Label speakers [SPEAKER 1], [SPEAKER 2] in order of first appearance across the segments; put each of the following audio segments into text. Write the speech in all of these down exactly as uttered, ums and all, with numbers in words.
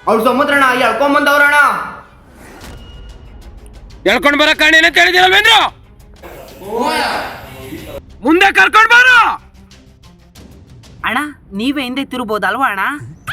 [SPEAKER 1] ಅವ್ರು ಸಮುದ್ರಣ ಎಳ್ಕೊಂಬಂದವ್ರಣ.
[SPEAKER 2] ಎಳ್ಕೊಂಡ್ ಬರ ಕಾರಣ ಏನಂತ ಹೇಳಿದಿರಲ್ವೇಂದ್ರ? ಮುಂದೆ ಕರ್ಕೊಂಡ್ ಬಾರ
[SPEAKER 3] ಅಣ್ಣ. ನೀವೇ ಹಿಂದೆ ತಿರುಬೋದಲ್ವಾ ಅಣ್ಣ?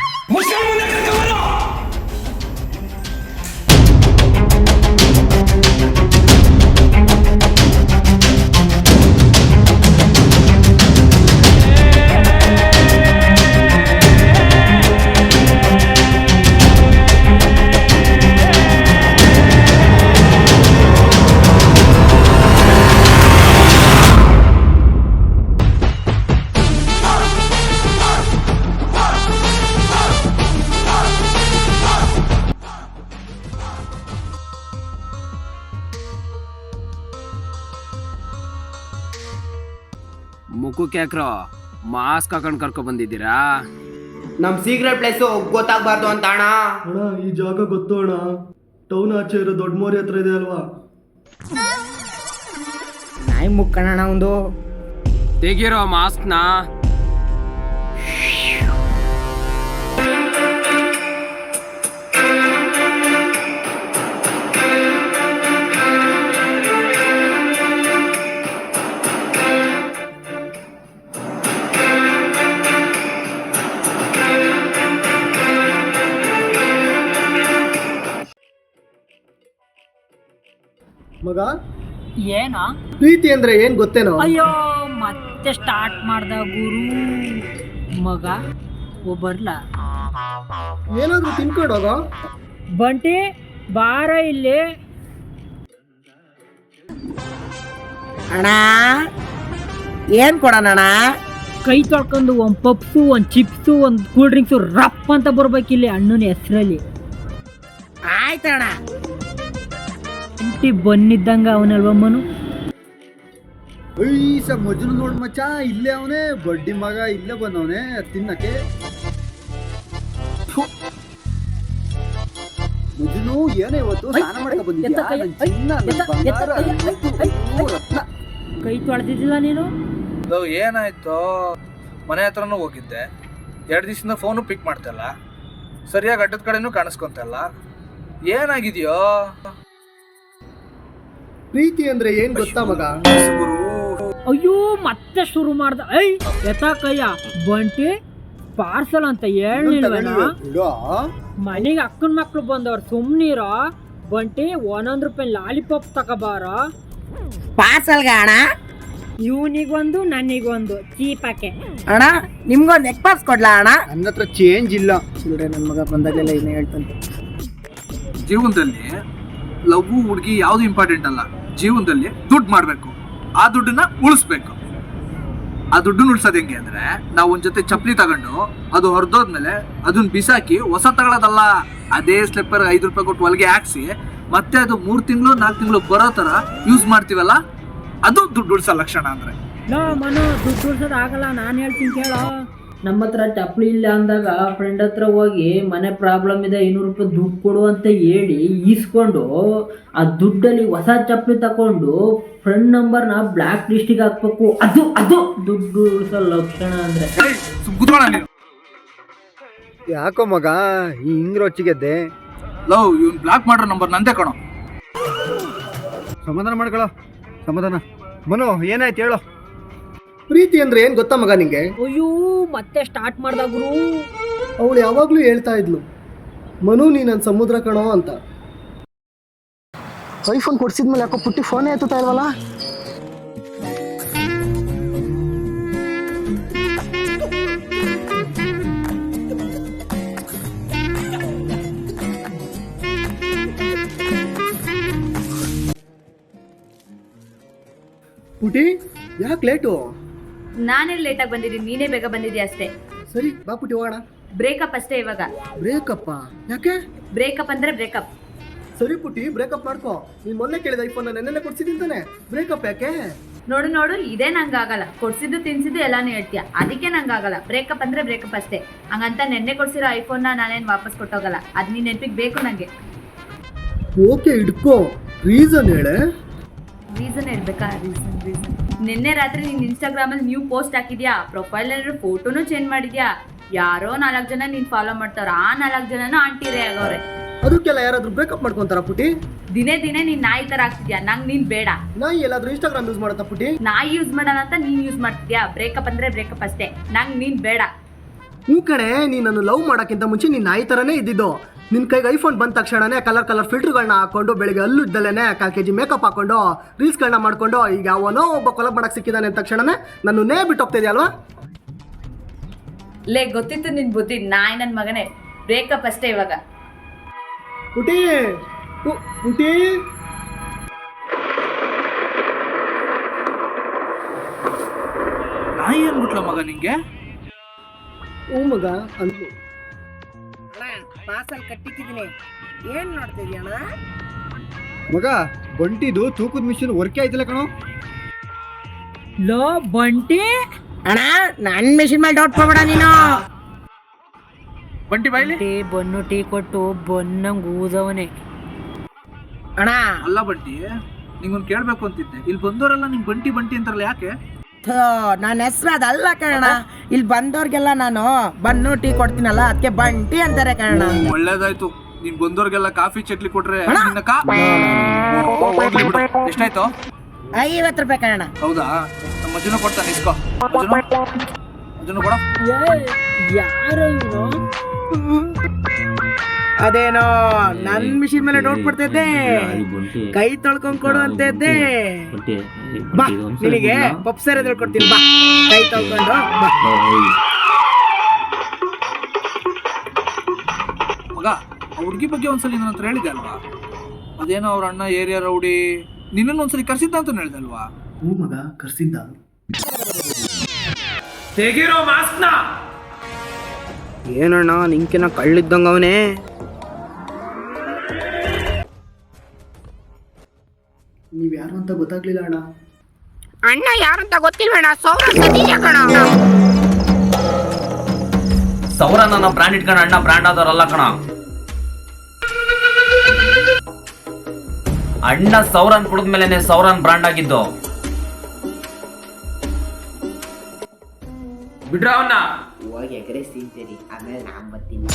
[SPEAKER 2] ಮುಖಕ್ಕೆ ಯಾಕ್ರೋ ಮಾಸ್ಕ್ ಹಾಕೊಂಡ್ ಕರ್ಕೊ ಬಂದಿದ್ದೀರಾ?
[SPEAKER 1] ನಮ್ ಸೀಕ್ರೆಟ್ ಪ್ಲೇಸು ಗೊತ್ತಾಗ್ಬಾರ್ದು ಅಂತ ಅಣ್ಣ.
[SPEAKER 4] ಅಣ್ಣ ಈ ಜಾಗ ಗೊತ್ತು ಅಣ್ಣ, ಟೌನ್ ಆಚೆ ಇರೋ ದೊಡ್ಡ ಮೋರಿ ಹತ್ರ ಇದೆ ಅಲ್ವಾ?
[SPEAKER 3] ನಾಯಿ ಮುಕ್ಕಣ ಒಂದು
[SPEAKER 2] ತೆಗಿರೋ ಮಾಸ್ಕ್ನ.
[SPEAKER 4] ಮಗ
[SPEAKER 3] ಏನೋ
[SPEAKER 4] ಪ್ರೀತಿ ಅಂದ್ರೆ ಏನ್ ಗೊತ್ತೇನೋ?
[SPEAKER 3] ಅಯ್ಯೋ ಮತ್ತೆ ಸ್ಟಾರ್ಟ್ ಮಾಡ್ದ ಗುರು. ಮಗ ಒಬ್ಬರ್ಲ
[SPEAKER 4] ಏನಾದ್ರು ತಿನ್ಕೊಂಡೋಗ.
[SPEAKER 3] ಬಂಟಿ ಬಾರ ಇಲ್ಲಿ.
[SPEAKER 5] ಅಣ್ಣ ಏನ್ ಕೊಡೋಣ ಅಣ್ಣ?
[SPEAKER 3] ಕೈ ತೊಳ್ಕೊಂಡು ಒಂದ್ ಪಪ್ಸು ಒಂದ್ ಚಿಪ್ಸು ಒಂದ್ ಕೂಲ್ ಡ್ರಿಂಕ್ಸು ರಪ್ ಅಂತ ಬರ್ಬೇಕಿಲ್ಲಿ ಅಣ್ಣನ ಹೆಸರಲ್ಲಿ.
[SPEAKER 5] ಆಯ್ತಣ್ಣ.
[SPEAKER 3] ಇಂಟಿ ಬಂದಿದ್ದಂಗ ಅವನಲ್ವಮ್ಮನು.
[SPEAKER 4] ಐಸ ಮಜುನು ನೋಡ್ ಮಚ್ಚ, ಇಲ್ಲೇ ಅವನೇ ಬಡ್ಡಿ ಮಗ, ಇಲ್ಲೇ ಬಂದವನೇ ತಿನ್ನಕ್ಕೆ. ಮಜುನು ಏನೇ ಇವತ್ತು ಸ್ನಾನ ಮಾಡಕ ಬಂದಿದ್ಯಾ? ನನ್ ಚಿನ್ನ, ನನ್ ಬಂಗಾರ, ನನ್ ರತ್ನ.
[SPEAKER 3] ಕೈ ತೊಳೆದಿದ್ದಿಲ್ಲ ನೀನು?
[SPEAKER 6] ಏನಾಯ್ತು? ಮನೆ ಹತ್ರನೂ ಹೋಗಿದ್ದೆ, ಎರಡು ದಿವಸದಿಂದ ಫೋನು ಪಿಕ್ ಮಾಡ್ತಲ್ಲ, ಸರಿಯಾಗಿ ಅಡ್ಡದ ಕಡೆನೂ ಕಾಣಿಸ್ಕೊಂತಲ್ಲ, ಏನಾಗಿದೆಯೋ?
[SPEAKER 4] ಪ್ರೀತಿ ಅಂದ್ರೆ ಏನ್ ಗೊತ್ತಾ ಮಗ?
[SPEAKER 3] ಅಯ್ಯೋ ಮತ್ತೆ ಶುರು ಮಾಡ್ದ. ಐ ಎತ್ತ ಕಯ್ಯ ಬಂಟಿ ಪಾರ್ಸಲ್ ಅಂತ ಹೇಳಿಲ್ವೇನ? ಮನೆಗೆ ಅಕ್ಕನ ಮಕ್ಳು ಬಂದವ್ರು ಸುಮ್ನೀರೋ. ಬಂಟಿ ಒಂದೊಂದ್ ರೂಪಾಯಿ ಲಾಲಿಪಾಪ್ ತಗೋಬಾರ.
[SPEAKER 5] ಪಾರ್ಸಲ್ಗ ಅಣ್ಣ?
[SPEAKER 3] ಇವನಿಗೊಂದು ನನಗೊಂದು ಚೀಪಕ್ಕೆ.
[SPEAKER 5] ಅಣ್ಣ ನಿಮ್ಗೊಂದು ಎಗ್ ಪಾಸ್ ಕೊಡ್ಲಾ ಅಣ್ಣ?
[SPEAKER 4] ನನ್ನ ಹತ್ರ ಚೇಂಜ್ ಇಲ್ಲ. ಚಿಲ್ಡ್ರೆ ನನ್ನ ಮಗ ಬಂದಾಗಲೆಲ್ಲ ಏನೇ ಹೇಳ್ತಂತೆ.
[SPEAKER 6] ಜೀವನದಲ್ಲಿ ಲವ್ ಹುಡುಗಿ ಯಾವುದು ಇಂಪಾರ್ಟೆಂಟ್ ಅಲ್ಲ. ಜೀವನದಲ್ಲಿ ದುಡ್ಡು ಮಾಡಬೇಕು, ಆ ದುಡ್ಡನ್ನ ಉಳಿಸ್ಬೇಕು. ಆ ದುಡ್ಡನ್ನ ಉಳಿಸೋದು ಹೆಂಗೆ ಅಂದ್ರೆ, ನಾವು ಒಂದ್ ಜೊತೆ ಚಪ್ಪಲಿ ತಗೊಂಡು ಅದು ಹೊರದೋದ್ಮೇಲೆ ಅದನ್ನ ಬಿಸಾಕಿ ಹೊಸ ತಗೊಳ್ಳೋದಲ್ಲ. ಅದೇ ಸ್ಲಿಪ್ಪರ್ ಐದು ರೂಪಾಯಿ ಕೊಟ್ಟು ಹೊಲಿಗೆ ಹಾಕ್ಸಿ ಮತ್ತೆ ಅದು ಮೂರ್ ತಿಂಗಳು ನಾಲ್ಕು ತಿಂಗಳು ಬರೋ ತರ ಯೂಸ್ ಮಾಡ್ತೀವಲ್ಲ, ಅದು ದುಡ್ಡು ಉಳಿಸೋ ಲಕ್ಷಣ ಅಂದ್ರೆ.
[SPEAKER 3] ನೋ ಮನು ದುಡ್ಡು ಉಳ್ಸೋದು ಆಗಲ್ಲ. ನಾನು ಹೇಳ್ತೀನಿ ಕೇಳೋ. ನಮ್ಮ ಹತ್ರ ಚಪ್ಪಲಿ ಇಲ್ಲ ಅಂದಾಗ ಫ್ರೆಂಡ್ ಹತ್ರ ಹೋಗಿ ಮನೆ ಪ್ರಾಬ್ಲಮ್ ಇದೆ ಐನೂರು ರೂಪಾಯಿ ದುಡ್ಡು ಕೊಡು ಅಂತ ಹೇಳಿ ಈಸ್ಕೊಂಡು ಆ ದುಡ್ಡಲ್ಲಿ ಹೊಸ ಚಪ್ಪಲಿ ತಗೊಂಡು ಫ್ರೆಂಡ್ ನಂಬರ್ನ ಬ್ಲ್ಯಾಕ್ ಲಿಸ್ಟಿಗೆ ಹಾಕ್ಬೇಕು. ಅದು ಅದು ದುಡ್ಡು ಉಳಿಸೋ ಲಕ್ಷಣ ಅಂದ್ರೆ.
[SPEAKER 4] ಯಾಕೋ ಮಗ ಈ ಹಿಂಗ್ ರೊಚ್ಚಿಗೆದ್ದೆ?
[SPEAKER 6] ಲವ್ ಇವ್ನು ಬ್ಲಾಕ್ ಮಾಡೋ ನಂಬರ್ ನಂದೇ ಕಣೋ.
[SPEAKER 4] ಸಮಾಧಾನ ಮಾಡ್ಕೊಳ್ಳೋ, ಸಮಾಧಾನ. ಮನು ಏನಾಯ್ತು ಹೇಳೋ? ಪ್ರೀತಿ ಅಂದ್ರೆ ಏನ್ ಗೊತ್ತಾ ಮಗ ನಿಂಗೆ?
[SPEAKER 3] ಅಯ್ಯೋ ಮತ್ತೆ ಸ್ಟಾರ್ಟ್ ಮಾಡ್ದ ಗುರು.
[SPEAKER 4] ಅವಳು ಯಾವಾಗ್ಲೂ ಹೇಳ್ತಾ ಇದ್ಲು, ಮನು ನೀ ನನ್ನ ಸಮುದ್ರ ಕಣೋ ಅಂತ. ಐಫೋನ್ ಕೊಡ್ಸಿದ್ಮೇಲೆ ಯಾಕೋ ಪುಟ್ಟಿ ಫೋನೇ ಎತ್ತುತ್ತಾ ಇಲ್ವಲ್ಲ? ಪುಟಿ ಯಾಕೆ ಲೇಟು?
[SPEAKER 7] ನಾನೇ ಲೇಟಾಗಿ ಬಂದಿದ್ದೀನಿ, ನೀನೇ ಬೇಗ ಬಂದಿದ್ಯಾ ಅಷ್ಟೇ.
[SPEAKER 4] ಸರಿ ಬಾ ಪುಟಿ ಹೋಗೋಣ.
[SPEAKER 7] ಬ್ರೇಕಪ್ ಅಷ್ಟೇ ಇವಾಗ.
[SPEAKER 4] ಬ್ರೇಕಪ್ಪ ಯಾಕೆ?
[SPEAKER 7] ಬ್ರೇಕಪ್ ಅಂದ್ರೆ ಬ್ರೇಕಪ್.
[SPEAKER 4] ಸರಿ ಪುಟಿ ಬ್ರೇಕಪ್ ಮಾಡ್ಕೋ. ನೀನ್ ಮೊನ್ನೆ ಕೇಳಿದ ಐಫೋನ್ ನೆನ್ನೆಲ್ಲ ಕೊಡ್ಸಿದ್ದೀನಿ ತಾನೆ, ಬ್ರೇಕಪ್ ಯಾಕೆ?
[SPEAKER 7] ನೋಡು ನೋಡು ಇದೇ ನಂಗೆ ಆಗಲ್ಲ. ಕೊಡ್ಸಿದ್ದು ತಿನ್ಸಿದ್ದು ಎಲ್ಲಾನು ಹೇಳ್ತೀಯ, ಅದಕ್ಕೆ ನಂಗೆ ಆಗಲ್ಲ. ಬ್ರೇಕಪ್ ಅಂದ್ರೆ ಬ್ರೇಕಪ್ ಅಷ್ಟೇ. ಹಂಗಂತ ನೆನ್ನೆ ಕೊಡ್ಸಿರೋ ಐಫೋನ್ನ ನಾನೇನು ವಾಪಸ್ ಕೊಟ್ಟೋಗಲ್ಲ. ಅದು ನೀನ್ ನೆನಪಿಗೆ ಬೇಕು ನಂಗೆ.
[SPEAKER 4] ಓಕೆ ಇಡ್ಕೋ, ರೀಸನ್ ಹೇಳೆ.
[SPEAKER 7] ರೀಸನ್ ಹೇಳ್ಬೇಕಾ? ರೀಸನ್ ರೀಸನ್ ನಿನ್ನೆ ರಾತ್ರಿ ನೀನು ಇನ್ಸ್ಟಾಗ್ರಾಮಲ್ಲಿ ನ್ಯೂ ಪೋಸ್ಟ್ ಹಾಕಿದ್ಯಾ, ಪ್ರೊಫೈಲ್ ಏನಾದ್ರು ಫೋಟೋನು ಚೇಂಜ್ ಮಾಡಿದ್ಯಾ. ಯಾರೋ ನಾಲ್ಕು ಜನ ನೀನ್ ಫಾಲೋ ಮಾಡ್ತಾರ ಆ ನಾಲ್ಕು ಜನನು ಆಂಟಿರೇ ಆಗವ್ರೆ.
[SPEAKER 4] ಅದಕ್ಕೆಲ್ಲ ಯಾರಾದ್ರೂ ಬ್ರೇಕಪ್ ಮಾಡ್ಕೊಂತಾರ ಪುಟಿ?
[SPEAKER 7] ದಿನೇ ದಿನೇ ನೀನ್ ನಾಯಿ ತರ ಆಗ್ತಿದ್ಯಾ, ನಂಗ್ ನೀನ್ ಬೇಡ.
[SPEAKER 4] ನಾಯಿ ಎಲ್ಲಾದ್ರೂ ಇನ್ಸ್ಟಾಗ್ರಾಮ್ ಯೂಸ್ ಮಾಡತ್ತಾ ಪುಟಿ?
[SPEAKER 7] ನಾಯಿ ಯೂಸ್ ಮಾಡಲ್ಲ ಅಂತ ನೀನ್ ಯೂಸ್ ಮಾಡ್ತಿದ್ಯಾ. ಬ್ರೇಕಪ್ ಅಂದ್ರೆ ಬ್ರೇಕಪ್ ಅಷ್ಟೇ, ನಂಗ್ ನೀನ್ ಬೇಡ.
[SPEAKER 4] ಹ್ಞೂ ಕಣೆ, ನೀ ನನ್ನ ಲವ್ ಮಾಡೋಕ್ಕಿಂತ ಮುಂಚೆ ನೀನು ನಾಯಿ ಥರನೇ ಇದ್ದಿದ್ದು. ನಿನ್ನ ಕೈಗೆ ಐಫೋನ್ ಬಂದ ತಕ್ಷಣನೇ ಕಲರ್ ಕಲರ್ ಫಿಲ್ಟರ್ಗಳನ್ನ ಹಾಕೊಂಡು ಬೆಳಿಗ್ಗೆ ಅಲ್ಲೂ ಇದ್ದಲ್ಲೇ ಕಾಲು ಕೆ ಜಿ ಮೇಕಪ್ ಹಾಕೊಂಡು ರೀಲ್ಸ್ಗಳನ್ನ ಮಾಡ್ಕೊಂಡು ಈಗ ಅವನೋ ಒಬ್ಬ ಕೊಲಬ್ ಮಾಡಕ್ಕೆ ಸಿಕ್ಕಿದ್ದಾನೆ ಅಂದ ತಕ್ಷಣನೇ ನನ್ನನ್ನೇ ಬಿಟ್ಟು ಹೋಗ್ತಿದ್ಯಲ್ವಾ?
[SPEAKER 7] ಲೇ ಗೊತ್ತಿತ್ತು ನಿನ್ ಬುದ್ಧಿ, ನಾಯಿ ನನ್ ಮಗನೇ. ಬ್ರೇಕಪ್ ಅಷ್ಟೇ ಇವಾಗ.
[SPEAKER 4] ಪುಟಿ ಪು- ಪುಟಿ
[SPEAKER 6] ನಾಯಿ ಅನ್ಬಿಟ್ಲ ಮಗ ನಿಂಗೆ?
[SPEAKER 4] ಹ್ಞೂ ಮಗ ಅಂದ್ಲು.
[SPEAKER 5] ಅಣ್ಣ ಪಾರ್ಸಲ್ ಕಟ್ಟಿಕ್ಕಿದ್ದೀನಿ, ಏನ್ ನೋಡ್ತಿದ್ಯ ಅಣ್ಣ?
[SPEAKER 4] ಮಗ ಬಂಟಿದು ತೂಕದ ಮಿಷಿನ್ ವರ್ಕೇ ಆಯ್ತಿಲ್ಲ ಕಣೋ.
[SPEAKER 3] ಲೋ ಬಂಟಿ,
[SPEAKER 5] ಅಣ್ಣ ನನ್ ಮೆಷಿನ್ ಮೇಲೆ ಡೌಟ್ ಕೊಡ್ಬೇಡ ನೀನು.
[SPEAKER 6] ಬಂಟಿ ಬಾಯ್ಲಿ.
[SPEAKER 3] ಟೀ ಬನ್ನು ಟೀ ಕೊಟ್ಟು ಬನ್ನಂಗ್ ಊದವನೆ.
[SPEAKER 5] ಅಣ್ಣ
[SPEAKER 6] ಅಲ್ಲ ಬಂಟಿ, ನಿಂಗೊಂದು ಕೇಳ್ಬೇಕು ಅಂತಿದ್ದೆ. ಇಲ್ಲಿ ಬಂದವರೆಲ್ಲ ನಿಂಗೆ ಬಂಟಿ ಬಂಟಿ ಅಂತಾರಲ್ಲ, ಯಾಕೆ?
[SPEAKER 5] ಥೋ, ನನ್ನ ಹೆಸರು ಅದಲ್ಲ ಕಣ. ಇಲ್ಲಿ ಬಂದವ್ರಿಗೆಲ್ಲ ನಾನು ಬನ್ನು ಟೀ ಕೊಡ್ತೀನಲ್ಲ, ಅದಕ್ಕೆ ಬಂಟಿ ಅಂತಾರೆ ಕಣ.
[SPEAKER 6] ಒಳ್ಳೇದಾಯ್ತು. ನೀನ್ ಬಂದವ್ರಿಗೆಲ್ಲ ಕಾಫಿ ಚಟ್ಲಿ ಕೊಟ್ರೆ ನಿನ್ನ ಕಾ ಹೋಗ್ಲಿ ಬಿಡು. ಎಷ್ಟಾಯ್ತು?
[SPEAKER 5] ಐವತ್ತು ರೂಪಾಯಿ ಕಣ.
[SPEAKER 6] ಹೌದಾ? ನಮ್ಮ ಅಜ್ಜನ ಕೊಡ್ತಾನೆ, ಇಸ್ಕೋ. ಅಜ್ಜನ ಅಜ್ಜನ ಕೊಡ.
[SPEAKER 3] ಯಾರು ಇವನು?
[SPEAKER 5] ಅದೇನೋ ನನ್ ಮಿಷಿನ್ ಮೇಲೆ ಡೌಟ್ ಪಡ್ತಿದ್ದೆ, ಕೈ ತೊಳ್ಕೊಂಡ್ ಕೊಡು ಅಂತ ಇದ್ದೆ. ಬಾ ನಿನಗೆ ಪಪ್ಸರ್ ಎದುರು ಕೊಡ್ತೀನಿ, ಬಾ ಕೈ ತೊಳ್ಕೊಂಡು ಬಾ.
[SPEAKER 6] ಮಗ, ಆ ಹುಡುಗಿ ಬಗ್ಗೆ ಒಂದ್ಸಲಿ ನನ್ನ ಹತ್ರ ಹೇಳಿದೆ ಅಲ್ವಾ? ಅದೇನೋ ಅವ್ರ ಅಣ್ಣ ಏರಿಯಾ ರೌಡಿ ನಿನ್ನನ್ನು ಒಂದ್ಸಲಿ ಕರ್ಸಿದ್ದ ಅಂತ ಹೇಳಿದೆ ಅಲ್ವಾ?
[SPEAKER 4] ಹ್ಞೂ ಮಗ ಕರ್ಸಿದ್ದ.
[SPEAKER 2] ತೆಗಿರೋ ಮಾಸ್ಕ್ನ.
[SPEAKER 1] ಏನಣ್ಣ ನಿಂಕಿನ ಕಳ್ಳಿದ್ದಂಗ ಅವನೇ.
[SPEAKER 4] ನೀವ್ ಯಾರು ಅಂತ ಗೊತ್ತಾಗ್ಲಿಲ್ಲ ಅಣ್ಣ.
[SPEAKER 5] ಅಣ್ಣ ಯಾರಂತ ಗೊತ್ತಿಲ್ವೇಣ, ಸೌರ ಸತೀಶ ಕಣ.
[SPEAKER 2] ಸೌರ ನನ್ನ ಬ್ರ್ಯಾಂಡ್ ಇಟ್ಕೊಂಡು ಅಣ್ಣ ಬ್ರ್ಯಾಂಡ್ ಆದವರಲ್ಲ ಕಣ. ಅಣ್ಣ ಸೌರನ್ ಕುಡಿದ್ಮೇಲೆ ಸೌರನ್ ಬ್ರ್ಯಾಂಡ್ ಆಗಿದ್ದು. ಬಿಡ್ರ ಅವನ್ನ.
[SPEAKER 1] ಹೋಗಿ ಎಕರೆ ತಿಂತೀರಿ, ಆಮೇಲೆ ನಾನ್ ಬರ್ತೀನಿ.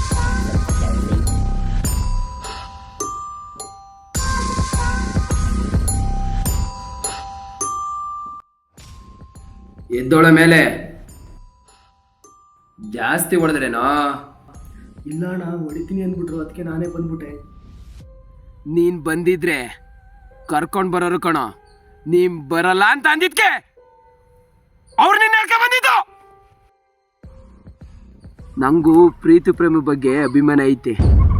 [SPEAKER 2] ಎದ್ದೋಳ ಮೇಲೆ ಜಾಸ್ತಿ ಹೊಡೆದ್ರೇನೋ?
[SPEAKER 4] ಇಲ್ಲ ಅಣ್ಣ, ಹೊಡಿತೀನಿ ಅಂದ್ಬಿಟ್ರು, ಅದಕ್ಕೆ ನಾನೇ ಬಂದ್ಬಿಟ್ಟೆ.
[SPEAKER 2] ನೀನ್ ಬಂದಿದ್ರೆ ಕರ್ಕೊಂಡ್ ಬರೋರು ಕಣೋ. ನೀನ್ ಬರಲ್ಲ ಅಂತ ಅಂದಿದ್ಕೆ ಅವ್ರು ನಿನ್ನ ಹೇಳ್ಕೊಂಡ್ ಬಂದಿದ್ದು. ನಂಗೂ ಪ್ರೀತಿ ಪ್ರೇಮ ಬಗ್ಗೆ ಅಭಿಮಾನ ಐತೆ.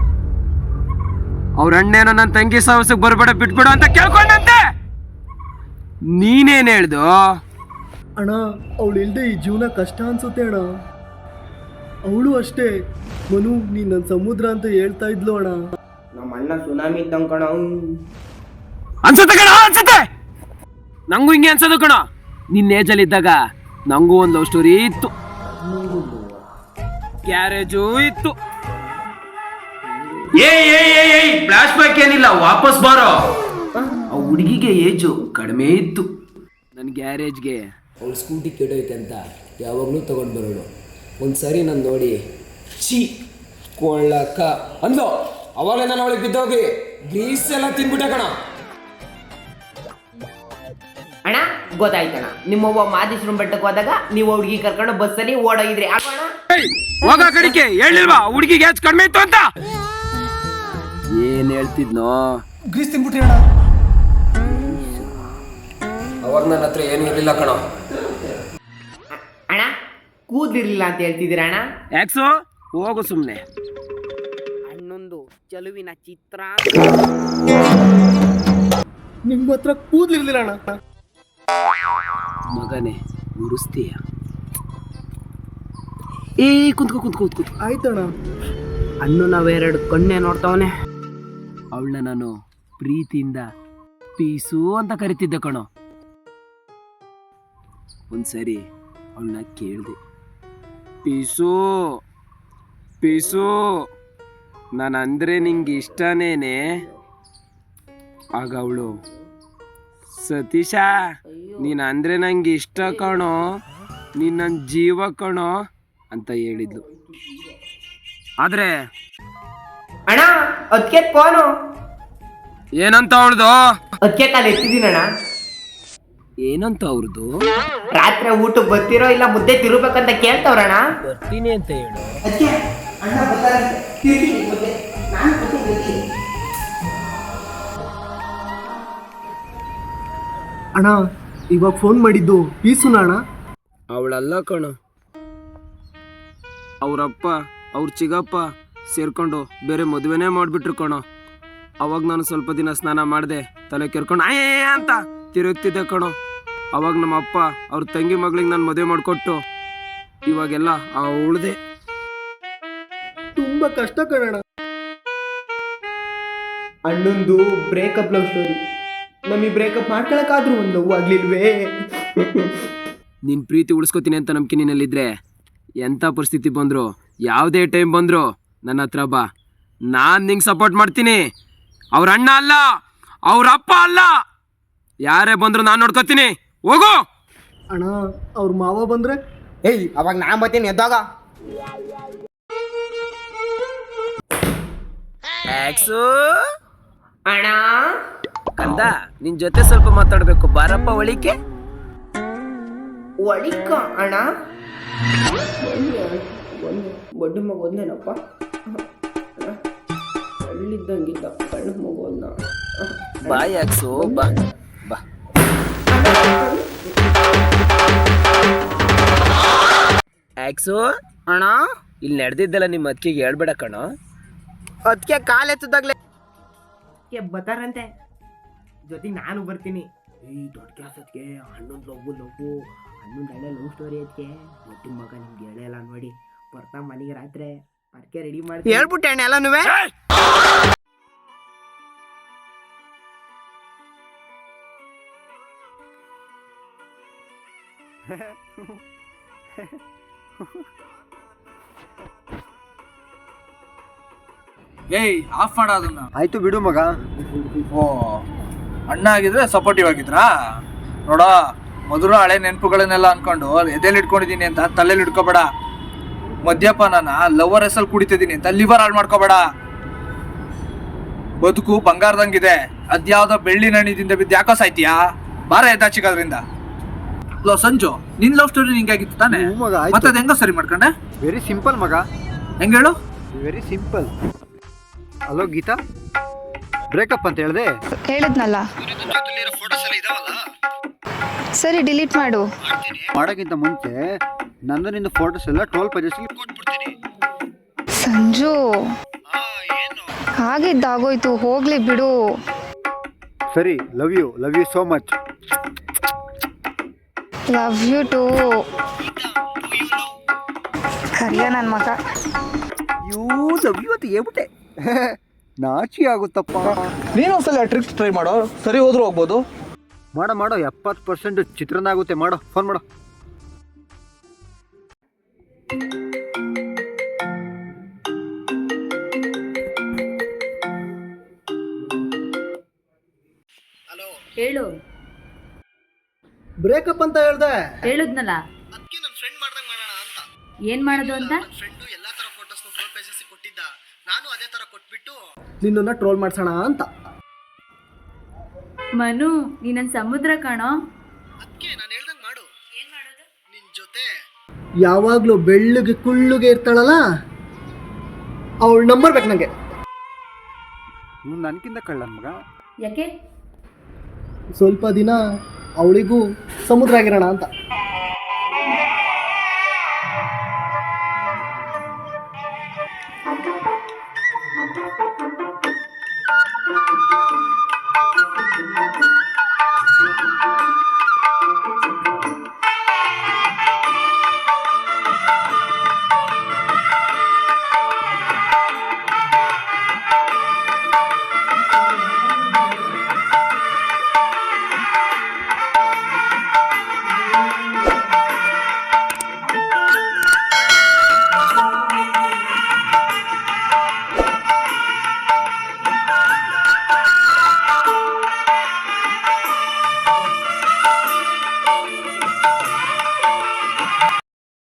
[SPEAKER 2] ಅವ್ರ ಅಣ್ಣೇನೋ ನನ್ನ ತಂಗಿ ಸಾಹಸಕ್ಕೆ ಬರ್ಬೇಡ ಬಿಟ್ಬಿಡು ಅಂತ ಕೇಳ್ಕೊಂಡಂತೆ. ನೀನೇನ್ ಹೇಳ್ದು?
[SPEAKER 4] ಅಣ್ಣ ಅವಳು ಇಲ್ದೆ ಈ ಜೀವನ ಕಷ್ಟ ಅನ್ಸುತ್ತೆ ಅಣ್ಣ. ಅವಳು ಅಷ್ಟೇ, ಮನು ನೀನ್ ನನ್ನ ಸಮುದ್ರ ಅಂತ ಹೇಳ್ತಾ ಇದ್ಲು ಅಣ್ಣ.
[SPEAKER 1] ನಮ್ಮ ಅಣ್ಣ ಸುನಾಮಿ ಇದ್ದಂಗ ಕಣ.
[SPEAKER 2] ಅನ್ಸುತ್ತೆ ಕಣ, ಅನ್ಸುತ್ತೆ. ನಂಗೂ ಹಿಂಗೆ ಅನ್ಸೋದು ಕಣ. ನಿನ್ನ ಏಜಲ್ಲಿ ಇದ್ದಾಗ ನಂಗೂ ಒಂದು ಲವ್ ಸ್ಟೋರಿ ಇತ್ತು, ಕ್ಯಾರೇಜು ಇತ್ತು. ಏ ಫ್ಲಾಶ್ ಬ್ಯಾಕ್ ಏನಿಲ್ಲ, ವಾಪಸ್ ಬಾರೋ. ಆ ಹುಡುಗಿಗೆ ಏಜು ಕಡಿಮೆ ಇತ್ತು, ನನ್ನ ಗ್ಯಾರೇಜ್ಗೆ.
[SPEAKER 8] ಅವ್ಳು ಸ್ಕೂಟಿ ಕೆಡೋಯ್ತೆ ಅಂತ ಯಾವಾಗಲೂ ತೊಗೊಂಡು ಬರೋಳು. ಒಂದು ಸರಿ ನಾನು ನೋಡಿ ಚೀ ಕೊಳ್ಳಕ್ಕ ಅಂದ್ಲು. ಅವಾಗಲೇ ನಾನು ಅವಳಿಗೆ ಬಿದ್ದೋಗಿ ಗ್ರೀಸ್ ಎಲ್ಲ ತಿನ್ಬಿಟ್ಟೆ ಕಣ.
[SPEAKER 1] ಅಣ್ಣ ಗೊತ್ತಾಯ್ತಣ್ಣ, ನಿಮ್ಮವ್ವ ಮಾದೇಶ್ವರಂ ಬೆಟ್ಟಕ್ಕೆ ಹೋದಾಗ ನೀವು ಹುಡುಗಿ ಕರ್ಕೊಂಡು ಬಸ್ಸಲ್ಲಿ ಓಡೋಗಿದ್ರಿ ಅಣ್ಣ.
[SPEAKER 2] ಹೋಗ ಕಡಿಕೆ ಹೇಳಿಲ್ವಾ ಹುಡುಗಿಗೆ ಏಜ್ ಕಡಿಮೆ ಇತ್ತು ಅಂತ? ಏನ್ ಹೇಳ್ತಿದ್ನೋ?
[SPEAKER 6] ಗ್ರೀಸ್ ತಿನ್ಬಿಟ್ರಿ ಅಣ್ಣ.
[SPEAKER 8] ಅವಾಗ ನನ್ನ ಹತ್ರ ಏನೂ ಇರಲಿಲ್ಲ ಕಣ.
[SPEAKER 1] ಅಣ್ಣ ಕೂದಿರ್ಲಿಲ್ಲ ಅಂತ ಹೇಳ್ತಿದ್ದೀರ ಅಣ್ಣ?
[SPEAKER 2] ಯಾಕ್ಸೋ ಹೋಗು ಸುಮ್ನೆ.
[SPEAKER 1] ಅಣ್ಣೊಂದು ಚಲುವಿನ ಚಿತ್ರ.
[SPEAKER 4] ನಿಮ್ಮ ಹತ್ರ ಕೂದ್ಲಿರ್ಲಿಲ್ಲ ಅಣ್ಣ.
[SPEAKER 2] ಮಗನೇ ಉರಿಸ್ತೀಯ? ಏ ಕುಂತ್ಕೋ ಕುಂತ್ಕೋ ಕುಂತ್ಕೋ.
[SPEAKER 4] ಆಯ್ತಣ್ಣ.
[SPEAKER 1] ಅಣ್ಣು ನಾವೆರಡು ಕಣ್ಣೆ ನೋಡ್ತಾವನೆ.
[SPEAKER 2] ಅವಳನ್ನ ನಾನು ಪ್ರೀತಿಯಿಂದ ಪೀಸು ಅಂತ ಕರಿತಿದ್ದೆ ಕಣೋ. ಒಂದ್ಸರಿ ಅವಳನ್ನ ಕೇಳಿದೆ, ಪೀಸು ಪೀಸು ನಾನು ಅಂದರೆ ನಿಂಗೆ ಇಷ್ಟನೇನೆ? ಆಗ ಅವಳು, ಸತೀಶ ನೀನು ಅಂದರೆ ನಂಗೆ ಇಷ್ಟ ಕಣೋ, ನೀನು ನನ್ನ ಜೀವ ಕಣೋ, ಅಂತ ಹೇಳಿದ್ಲು. ಆದ್ರೆ
[SPEAKER 1] ಅಣ್ಣ ಅದಕ್ಕೆ ಫೋನು
[SPEAKER 2] ಏನಂತ ಅವಳ್ದು?
[SPEAKER 1] ಅದಕ್ಕೆ ಕಾಲ ಎತ್ತಿದ್ದೀನಣ್ಣ.
[SPEAKER 2] ಏನಂತ ಅವ್ರದ್ದು?
[SPEAKER 1] ರಾತ್ರಿ ಊಟಕ್ಕೆ ಬರ್ತಿರೋ ಇಲ್ಲ ಮುದ್ದೆ ತಿರುಬೇಕಂತ ಕೇಳ್ತವ್ರಣ್ಣ.
[SPEAKER 2] ಬರ್ತೀನಿ ಅಂತ ಹೇಳು.
[SPEAKER 1] ಅದಕ್ಕೆ ಅಣ್ಣ ಬರ್ತಾರಂತೆ, ತಿರ್ತೀನಿ ಮುದ್ದೆ. ನಾನು ಬರ್ತೀನಿ.
[SPEAKER 4] ಅಣ್ಣ ಇವಾಗ ಫೋನ್ ಮಾಡಿದ್ದು ಪೀಸುನ ಅಣ್ಣ?
[SPEAKER 2] ಅವಳಲ್ಲ ಕಣ, ಅವರಪ್ಪ ಅವ್ರ ಚಿಗಪ್ಪ ಸೇರ್ಕೊಂಡು ಬೇರೆ ಮದುವೆನೇ ಮಾಡಿಬಿಟ್ರು ಕಣೋ. ಅವಾಗ ನಾನು ಸ್ವಲ್ಪ ದಿನ ಸ್ನಾನ ಮಾಡಿದೆ, ತಲೆ ಕೆರ್ಕೊಂಡು ಆಯೇ ಅಂತ ತಿರುಗ್ತಿದ್ದೆ ಕಣೋ. ಅವಾಗ ನಮ್ಮ ಅಪ್ಪ ಅವ್ರ ತಂಗಿ ಮಗಳಿಗೆ ನಾನು ಮದುವೆ ಮಾಡಿಕೊಟ್ಟು ಇವಾಗೆಲ್ಲ ಅವಳದೆ.
[SPEAKER 4] ತುಂಬಾ ಕಷ್ಟ ಕಣಣ್ಣ.
[SPEAKER 1] ಅಣ್ಣಂದು ಬ್ರೇಕಪ್ ಲವ್ ಸ್ಟೋರಿ. ನಮಗೆ ಬ್ರೇಕಪ್ ಮಾಡ್ಕೊಳಕ್ಕಾದ್ರೂ ಒಂದು ನೋವು ಆಗ್ಲಿಲ್ವೇ?
[SPEAKER 2] ನಿನ್ನ ಪ್ರೀತಿ ಉಳಿಸ್ಕೊತೀನಿ ಅಂತ ನಂಬಿಕೆ ನಿನ್ನಲ್ಲಿದ್ದರೆ ಎಂಥ ಪರಿಸ್ಥಿತಿ ಬಂದರು, ಯಾವುದೇ ಟೈಮ್ ಬಂದರು ನನ್ನ ಹತ್ರ ಬಾ. ನಾನು ನಿಂಗೆ ಸಪೋರ್ಟ್ ಮಾಡ್ತೀನಿ. ಅವ್ರ ಅಣ್ಣ ಅಲ್ಲ, ಅವ್ರ ಅಪ್ಪ ಅಲ್ಲ, ಯಾರೇ ಬಂದರೂ ನಾನು ನೋಡ್ಕೊತೀನಿ. ಹೋಗು.
[SPEAKER 4] ಅಣ್ಣ ಅವ್ರ ಮಾವ ಬಂದ್ರೆ?
[SPEAKER 1] ಏಯ್ ಅವಾಗ ನಾ ಬರ್ತೀನಿ ಎದ್ದಾಗ. ಅಣ್ಣ
[SPEAKER 2] ಕಂದ, ನಿನ್ ಜೊತೆ ಸ್ವಲ್ಪ ಮಾತಾಡ್ಬೇಕು, ಬಾರಪ್ಪ ಒಳಿಕೆ.
[SPEAKER 1] ಒಳಿಕ ಅಣ್ಣ ಬಡ್ಡಿ ಮಗ ಒಂದೇನಪ್ಪ, ಅಲ್ಲಿದ್ದಂಗಿದ್ದ ಕಣ್ಣು ಮಗುವನ್ನ.
[SPEAKER 2] ಬಾಯ್ ಯಾಕ್ಸು, ಬಾ ಬಾ. ಆಕ್ಸು
[SPEAKER 1] ಅಣ್ಣ
[SPEAKER 2] ಇಲ್ಲಿ ನಡೆದಿದ್ದಲ್ಲ ನಿಮ್ಮ ಅತ್ತಿಗೆ ಹೇಳ್ಬೇಡ ಕಣ.
[SPEAKER 1] ಅದಕ್ಕೆ ಕಾಲು ಎತ್ತದಾಗ್ಲೆ ಬತ್ತಾರಂತೆ, ಜೊತೆಗೆ ನಾನು ಬರ್ತೀನಿ. ಈ ದೊಡ್ಡ ಕೆಲಸಕ್ಕೆ ಹನ್ನೊಂದು ಲವ್ವು ಲವ್ವು ಹನ್ನೊಂದು ಹಳೆ ಲವ್ ಸ್ಟೋರಿ ಅದಕ್ಕೆ ದೊಡ್ಡ ಮಗ ನಿಮ್ಗೆ ಹೇಳಲ್ಲ ನೋಡಿ. ಬರ್ತಾ ಮನೆಗೆ ರಾತ್ರಿ ಪರ್ಕೆ ರೆಡಿ ಮಾಡಿ ಹೇಳ್ಬಿಟ್ಟೆ ಅಣ್ಣ ಎಲ್ಲನೂ.
[SPEAKER 6] ಏಯ್ ಆಫ್ ಮಾಡ ಅದನ್ನ.
[SPEAKER 4] ಆಯ್ತು ಬಿಡು ಮಗ.
[SPEAKER 6] ಓ ಅಣ್ಣ ಆಗಿದ್ರೆ ಸಪೋರ್ಟಿವ್ ಆಗಿದ್ರಾ? ನೋಡ, ಮಧುರ ಹಳೆ ನೆನಪುಗಳನ್ನೆಲ್ಲ ಅನ್ಕೊಂಡು ಎದೆಲಿ ಇಟ್ಕೊಂಡಿದ್ದೀನಿ ಅಂತ ತಲೆಯಲ್ಲಿ ಇಟ್ಕೋಬೇಡ. ಮದ್ಯಪಾನನ ಲವರ್ ಹೆಸಲ್ಲಿ ಕುಡಿತಿದ್ದೀನಿ ಅಂತ ಲಿವರ್ ಹಾಳು ಮಾಡ್ಕೋಬೇಡ. ಬದುಕು ಬಂಗಾರದಂಗಿದೆ, ಅದ್ಯಾವ್ದೋ ಬೆಳ್ಳಿ ನಣಿದಿಂದ ಬಿದ್ದು ಯಾಕೋ ಸಾಯ್ತೀಯಾ? ಬಾರ ಎದ್ದಾಚಿಕೋದ್ರಿಂದ. ಲೋ ಸಂಜು, ನಿನ್ ಲವ್ ಸ್ಟೋರಿ ನಿಂಗಾಗಿತ್ತು ತಾನೆ? ಮತ್ತೆ ಅದ್ ಹೆಂಗೋ ಸರಿ ಮಾಡ್ಕೊಂಡೆ?
[SPEAKER 4] ವೆರಿ ಸಿಂಪಲ್ ಮಗ.
[SPEAKER 6] ಹೆಂಗ ಹೇಳು?
[SPEAKER 4] Very simple. Hello Geeta, breakup ಅಂತ ಹೇಳಿದೆ.
[SPEAKER 9] ಹೇಳಿದ್ನಲ್ಲ. ಸರಿ ಡಿಲೀಟ್ ಮಾಡು.
[SPEAKER 4] ಮಾಡೋಕ್ಕಿಂತ ಮುಂಚೆ ನಂದು ನಿಂದು ಫೋಟೋಸ್ ಎಲ್ಲ ಟ್ವೆಲ್ ಪೇಜಸ್ ಕೊಟ್ಬಿಡ್ತೀನಿ.
[SPEAKER 9] ಸಂಜು, ಹಾಗಿದ್ದಾಗೋಯ್ತು, ಹೋಗ್ಲಿ ಬಿಡು.
[SPEAKER 4] ಸರಿ, love you love you so much.
[SPEAKER 9] Love you too. ಕರಿಯ ನನ್ನ ಮಗ.
[SPEAKER 4] ಯೂ ಲವ್ ಯು ಅಂತ ಹೇಳ್ಬಿಟ್ಟೆ. ನಾಚಿ ಆಗುತ್ತಪ್ಪ.
[SPEAKER 6] ನೀನೊಂದ್ಸಲ ಟ್ರಿಕ್ ಟ್ರೈ ಮಾಡೋ, ಸರಿ ಹೋದ್ರೂ ಹೋಗ್ಬೋದು.
[SPEAKER 4] ಮಾಡೋ ಮಾಡೋ, ಎಪ್ಪತ್ತು ಪರ್ಸೆಂಟ್ ಚಿತ್ರಾನ್ನ ಆಗುತ್ತೆ. ಮಾಡೋ, ಫೋನ್ ಮಾಡೋ.
[SPEAKER 7] ಹೇಳು.
[SPEAKER 4] ಬ್ರೇಕಪ್ ಅಂತ ಹೇಳ್ದೆ.
[SPEAKER 7] ಹೇಳುದ್ನಲ್ಲ.
[SPEAKER 4] ಅದಕ್ಕೆ ನನ್ನ ಫ್ರೆಂಡ್ ಮಾಡ್ದಂಗೆ ಮಾಡೋಣ ಅಂತ.
[SPEAKER 7] ಏನ್ ಮಾಡೋದು ಅಂತ?
[SPEAKER 4] ಫ್ರೆಂಡು ಎಲ್ಲಾ ತರ ಫೋಟೋಸ್ ಟ್ರೋಲ್ ಪೇಜಸ್ ಕೊಟ್ಟಿದ್ದ, ನಾನು ಅದೇ ತರ ಕೊಟ್ಬಿಟ್ಟು ನಿನ್ನನ್ನ ಟ್ರೋಲ್ ಮಾಡ್ಸೋಣ ಅಂತ.
[SPEAKER 7] ಮನು, ನೀ ನನ್ನ ಸಮುದ್ರ ಕಾಣೋ.
[SPEAKER 4] ಅದಕ್ಕೆ ನಾನು ಹೇಳ್ದಂಗೆ ಮಾಡು. ಏನ್ ಮಾಡೋದು? ನಿನ್ ಜೊತೆ ಯಾವಾಗ್ಲೂ ಬೆಳ್ಳಗೆ ಕುಳ್ಳುಗೆ ಇರ್ತಾಳಲ್ಲ, ಅವಳ ನಂಬರ್ ಬೇಕು ನಂಗೆ. ಇವ್ನು ನನಗಿಂತ ಕಳ್ಳನ್ ಮಗ.
[SPEAKER 7] ಯಾಕೆ?
[SPEAKER 4] ಸ್ವಲ್ಪ ದಿನ ಅವಳಿಗೂ ಸಮುದ್ರ ಆಗಿರೋಣ ಅಂತ.